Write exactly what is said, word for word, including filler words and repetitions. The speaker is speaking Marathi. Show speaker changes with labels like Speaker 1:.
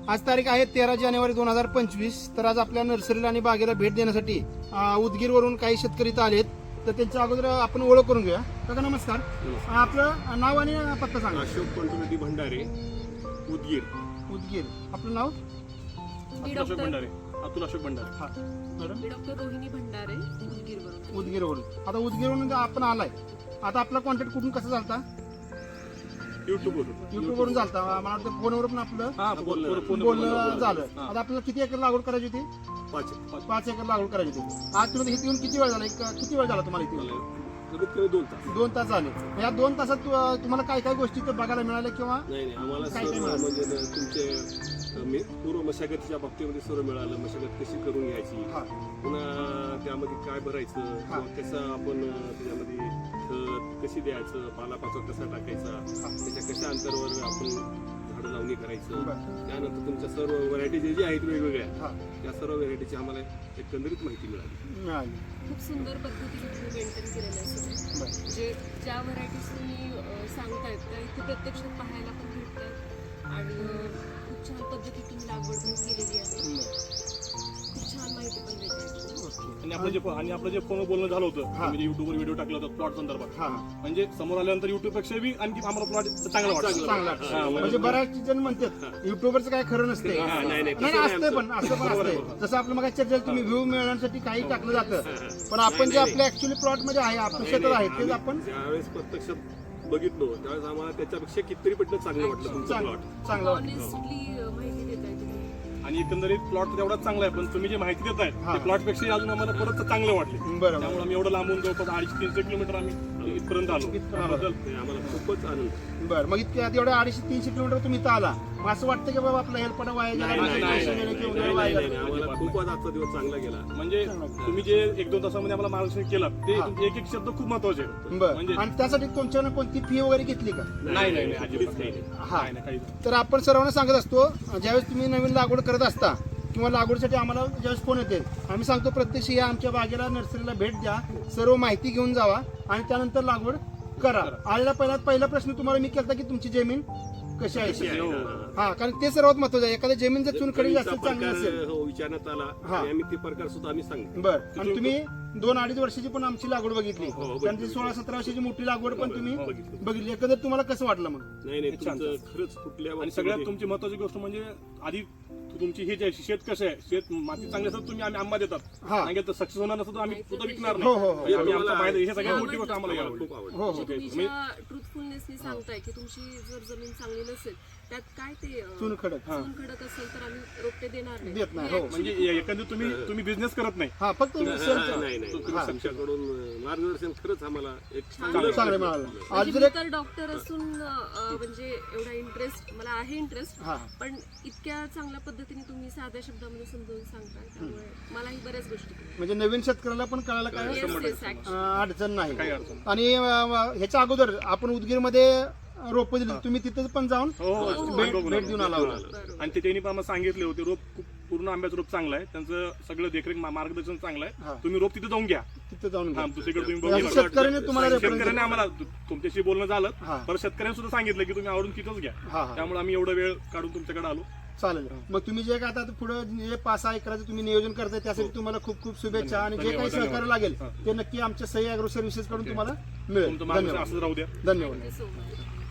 Speaker 1: आज तारीख आहे तेरा जानेवारी दोन हजार पंचवीस. तर आज आपल्या नर्सरीला आणि बागेला भेट देण्यासाठी उदगीरवरून काही शेतकरी इथं आलेत. तर त्यांच्या अगोदर आपण ओळख करून घेऊया. काका नमस्कार. आपलं नाव आणि पत्ता सांगा.
Speaker 2: अशोक पंतुनदी भंडारे, उदगीर.
Speaker 1: उदगीर. आपलं नाव?
Speaker 2: अशोक भंडारे. अतुल अशोक भंडारे.
Speaker 1: हा मॅडम.
Speaker 3: डॉक्टर रोहिणी भंडारे, उदगीरवरून.
Speaker 1: उदगीरवरून. आता उदगीरवरून आपण आलाय. आता आपला कॉन्टॅक्ट कुठून कसा झालता?
Speaker 2: युट्यूब वरून.
Speaker 1: युट्यूब वरून चालता. मला वाटतं फोनवर पण आपलं
Speaker 2: हा, बोलणं- फोन-
Speaker 1: बोलणं झालं. आता आपल्याला किती एकर लागवड करायची होती?
Speaker 2: पाच
Speaker 1: पाच एकर लागवड करायची होती. आज तुम्ही इथे येऊन किती वेळ झाला? एक- किती वेळ झाला तुम्हाला इथे येऊन?
Speaker 2: कमीत कमी दोन तास.
Speaker 1: दोन तास झाले. या दोन तासात तु- तुम्हाला काय काय गोष्टी इथं बघायला मिळाल्या किंवा
Speaker 2: नाही नाही आम्हाला
Speaker 1: काय काय
Speaker 2: सर्व
Speaker 1: मिळालं?
Speaker 2: म्हणजे न- तुमचे अ, मी पूर्व मशागतीच्या बाबतीमध्ये सर्व मिळालं. मशागत कशी करून घ्यायची,
Speaker 1: हा
Speaker 2: पुन्हा त्यामध्ये काय भरायचं,
Speaker 1: हा.
Speaker 2: किंवा कसं आपण अ, त्याच्यामध्ये खत कशी द्यायचं, पालापाचोळा कसा टाकायचा, त्याच्या कशा अंतरावर आपण झाडं लावणी करायचं.
Speaker 1: बरं.
Speaker 2: त्यानंतर तुमच्या सर्व व्हरायटी जे जे आहेत वेगवेगळ्या,
Speaker 1: हा
Speaker 2: त्या सर्व व्हरायटीची आम्हाला एकंदरीत माहिती मिळाली.
Speaker 1: मिळाली.
Speaker 3: खूप सुंदर पद्धतीने तुम्ही मेंटेन केलेलं आहे.
Speaker 1: बरं.
Speaker 3: म्हणजे ज्या व्हरायटीज तुम्ही अं, सांगतायत त्या इथे प्रत्यक्षात पाहायला पण भेटतात आणि अं, खूप छान पद्धतीने तुम्ही लागवड पण केलेली आहे. खूप छान माहिती पण देते.
Speaker 4: आणि आपलं जे आणि आपलं जे फोन बोलणं झालं होतं,
Speaker 1: हा.
Speaker 4: म्हणजे युट्यूबवर व्हिडिओ टाकला होता प्लॉट संदर्भात,
Speaker 1: हा
Speaker 4: म्हणजे समोर आल्यानंतर युट्यूब पेक्षा बी आणखी आम्हाला प्लॉट चांगला वाटतं.
Speaker 1: चांगला.
Speaker 4: हा,
Speaker 1: म्हणजे बऱ्याच जण म्हणतात युट्यूबरचं काय खरं नसते.
Speaker 2: हा, नाही, नाही,
Speaker 1: नाही
Speaker 2: तसं नाही
Speaker 1: असते पण असं पण असते. जसं आपलं मग चर्चा तुम्ही व्ह्यू मिळवण्यासाठी काही टाकलं जातं, पण आपण जे आपल्या ऍक्च्युअली प्लॉट मध्ये आहे आपल्या शेतात आहे तेच आपण
Speaker 2: ज्यावेळेस प्रत्यक्षात बघितलो त्यावेळेस आम्हाला त्याच्यापेक्षा कितीतरी पटलं चांगलं वाटलं तुमचं
Speaker 1: चांगलं
Speaker 2: प्लॉट.
Speaker 1: चांगलं वाटतं.
Speaker 3: ऑनेस्टली माहिती देताय तुम्ही.
Speaker 4: आणि एकंदरीत प्लॉट तेवढाच चांगला आहे, पण तुम्ही जे माहिती देताय
Speaker 1: हा.
Speaker 4: ते प्लॉट पेक्षा अजून आम्हाला परत चांगले वाटले.
Speaker 1: बरोबर.
Speaker 4: त्यामुळे आम्ही एवढं लांबून जवळपास अडीचशे तीनशे किलोमीटर आम्ही इथपर्यंत आलो.
Speaker 1: इथपर्यंत आलो.
Speaker 4: त्याबद्दल
Speaker 2: ते आम्हाला खूपच आनंद.
Speaker 1: बरं. मग इतक्या एवढ्या अडीचशे तीनशे किलोमीटर तुम्ही इथं आला, मग असं वाटतं की बाबा आपला हेल्पडा वाया गेला,
Speaker 2: नाही, नाही,
Speaker 1: पैसे
Speaker 2: नाही,
Speaker 1: गेले
Speaker 2: नाही,
Speaker 1: किंवा
Speaker 2: नाही,
Speaker 1: वाया
Speaker 2: नाही,
Speaker 1: गेला?
Speaker 2: नाही, आम्हाला खूपच आजचा दिवस चांगला गेला.
Speaker 4: म्हणजे तुम्ही जे एक दोन तासामध्ये आम्हाला मार्गदर्शन केलं ते
Speaker 1: हा.
Speaker 4: तुमचे एक एक शब्द खूप महत्वाचे आहेत.
Speaker 1: बरं.
Speaker 4: म्हणजे
Speaker 1: आणि त्यासाठी कोणत्या ना कोणती फी वगैरे घेतली का?
Speaker 4: नाही नाही नाही
Speaker 2: अजिबात
Speaker 4: अजिबात
Speaker 2: नाही.
Speaker 4: नाही.
Speaker 1: हा.
Speaker 4: नाही, नाही, काहीच नाही.
Speaker 1: तर आपण सर्वांना सांगत असतो, ज्यावेळेस तुम्ही नवीन लागवड करत असता किंवा लागवडीसाठी आम्हाला ज्यावेळेस फोन येते, आम्ही सांगतो प्रत्यक्ष या आमच्या बागेला नर्सरीला भेट द्या, सर्व माहिती घेऊन जावा आणि त्यानंतर लागवड करा. आलेला पहिला पहिला प्रश्न तुम्हाला मी केला की तुमची जमीन कशी
Speaker 2: कशी
Speaker 1: आहे.
Speaker 2: आहे, हा.
Speaker 1: हा, कारण ते सर्वात महत्वाचं आहे. एखाद्या जमीन जर चुनखडी जास्त
Speaker 2: जमिनीचा
Speaker 1: चांगली
Speaker 2: प्रकार,
Speaker 1: असेल.
Speaker 2: हो, विचारण्यात आला
Speaker 1: हा.
Speaker 2: आणि आम्ही ते प्रकार सुद्धा आम्ही सांगतो.
Speaker 1: बरं. आणि तुम्ही दोन अडीच वर्षाची पण आमची लागवड बघितली,
Speaker 2: हो, हो,
Speaker 1: त्यांची
Speaker 2: बघितली.
Speaker 1: सोळा सतरा वर्षाची मोठी लागवड पण तुम्ही
Speaker 2: हो, बघितली.
Speaker 1: बघितली. एकंदर तुम्हाला कसं वाटलं मग?
Speaker 2: नाही नाही
Speaker 4: छान.
Speaker 2: तुमचं खरंच कुठल्या
Speaker 4: आणि सगळ्यात तुमची महत्वाची गोष्ट म्हणजे आधी तुमची हे जे आहे, शेत कसं आहे, शेत माती चांगली असतात तुम्ही आम्ही आंबा देतात,
Speaker 1: हा.
Speaker 4: सांगितलं तर सक्सेस होणार नसतं तर आम्ही सुद्धा विकणार
Speaker 1: हो, हो, हो.
Speaker 4: नाही. आम्ही आमचा फायदा हे सगळ्यात मोठी गोष्ट आम्हाला
Speaker 2: आम्हाला
Speaker 4: घ्यावी.
Speaker 2: खूप आवडलं.
Speaker 1: हो हो
Speaker 3: म्हणजे तुम्ही
Speaker 4: म्हणजे-
Speaker 3: ज्या ट्रुथफुलनेसनी सांगताय की तुमची जर जमीन चांगली नसेल त्यात काय ते अं,
Speaker 1: चुनखडक. हा.
Speaker 3: चून खडक असेल तर आम्ही रोपटे देणार नाही.
Speaker 1: देत नाही,
Speaker 3: हे
Speaker 1: हो.
Speaker 3: actually
Speaker 4: म्हणजे एकंदर तुम्ही तुम्ही बिझनेस करत नाही.
Speaker 1: हा, फक्त
Speaker 2: हा,
Speaker 1: सेलचं.
Speaker 2: नाही नाही
Speaker 1: हा.
Speaker 2: तुमच्याकडून मार्गदर्शन खरंच आम्हाला एक
Speaker 3: चांगलं-
Speaker 1: चांगलं मिळालं. आज
Speaker 3: म्हणजे
Speaker 1: जर
Speaker 3: मी
Speaker 1: एक
Speaker 3: तर डॉक्टर असून अं, म्हणजे एवढा इंटरेस्ट मला आहे इंटरेस्ट,
Speaker 1: हा
Speaker 3: पण इतक्या चांगल्या पद्धतीने तुम्ही साध्या शब्दामध्ये समजावून सांगताय त्यामुळे मलाही बऱ्याच गोष्टी कळल्या.
Speaker 1: म्हणजे नवीन शेतकऱ्याला पण कळायला काय
Speaker 3: Yes, yes, actually.
Speaker 1: अं, अडचण नाही.
Speaker 4: काही अडचण नाही.
Speaker 1: आणि अं, ह्याच्या अगोदर आपण उदगीरमध्ये रोप दिली, तुम्ही तिथं पण जाऊन
Speaker 4: हो हो,
Speaker 3: हो,
Speaker 1: भेट
Speaker 4: बघून
Speaker 1: भेट
Speaker 4: आलो.
Speaker 1: देऊन आला होता.
Speaker 3: बरोबर.
Speaker 4: आणि ते त्यांनी पण आम्हाला सांगितले होते रोप खूप पूर्ण आंब्याचं रोप चांगलं आहे, त्यांचं सगळं देखरेख मा- मार्गदर्शन चांगलं
Speaker 1: हा.
Speaker 4: आहे. तुम्ही रोप तिथे जाऊन घ्या.
Speaker 1: तिथं जाऊन
Speaker 4: हा,
Speaker 1: घ्या.
Speaker 4: दुसरीकडे तुम्ही बघू
Speaker 1: म्हणजे
Speaker 4: नका.
Speaker 1: शेतकऱ्याने तुम्हाला रेफरन्स
Speaker 4: शेतकऱ्याने आम्हाला तु- तुमच्याशी बोलणं झालं,
Speaker 1: हा.
Speaker 4: पर शेतकऱ्यांनी सुद्धा सांगितलं की तुम्ही आवडून तिथंच घ्या.
Speaker 1: हा हा
Speaker 4: त्यामुळे आम्ही एवढा वेळ काढून तुमच्याकडे आलो.
Speaker 1: चालेल. मग तुम्ही जे काय आता पुढे जे पाच सहा एकराचं तुम्ही नियोजन करताय त्यासाठी तुम्हाला खूप खूप शुभेच्छा आणि जे काही
Speaker 4: धन्यवाद,
Speaker 1: सहकार्य
Speaker 4: धन्यवाद.
Speaker 1: लागेल
Speaker 4: हा.
Speaker 1: ते नक्की आमच्या सही अॅग्रो सर्व्हिसेस कडून तुम्हाला मिळेल.
Speaker 4: तुमचं मार्गदर्शन
Speaker 1: धन्यवाद
Speaker 4: असंच राहू द्या.
Speaker 1: धन्यवाद.
Speaker 3: Thank you so much.